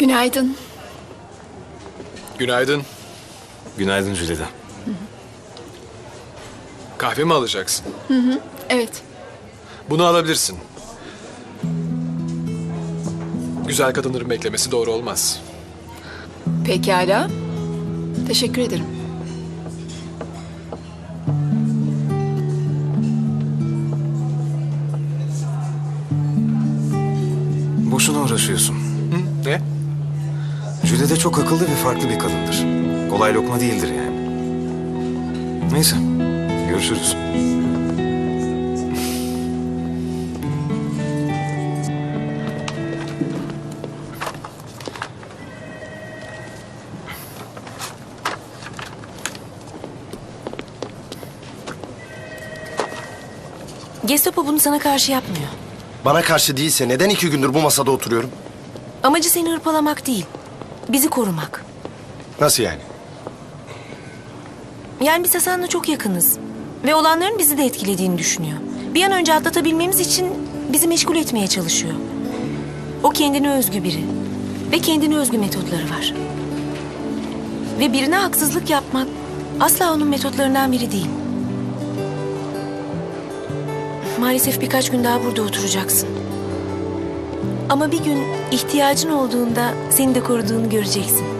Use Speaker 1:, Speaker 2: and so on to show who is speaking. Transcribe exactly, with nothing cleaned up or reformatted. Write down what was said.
Speaker 1: Günaydın.
Speaker 2: Günaydın.
Speaker 3: Günaydın Jülide.
Speaker 2: Kahve mi alacaksın?
Speaker 1: Evet.
Speaker 2: Bunu alabilirsin. Güzel kadınların beklemesi doğru olmaz.
Speaker 1: Pekala. Teşekkür ederim.
Speaker 3: Boşuna uğraşıyorsun.
Speaker 2: Hı? Ne?
Speaker 3: Jülide çok akıllı ve farklı bir kadındır. Kolay lokma değildir yani. Neyse, görüşürüz.
Speaker 4: Gestapo bunu sana karşı yapmıyor.
Speaker 5: Bana karşı değilse neden iki gündür bu masada oturuyorum?
Speaker 4: Amacı seni hırpalamak değil, bizi korumak.
Speaker 5: Nasıl yani?
Speaker 4: Yani biz Hasan'la çok yakınız. Ve olanların bizi de etkilediğini düşünüyor. Bir an önce atlatabilmemiz için bizi meşgul etmeye çalışıyor. O kendine özgü biri. Ve kendine özgü metotları var. Ve birine haksızlık yapmak asla onun metotlarından biri değil. Maalesef birkaç gün daha burada oturacaksın. Ama bir gün ihtiyacın olduğunda seni de koruduğunu göreceksin.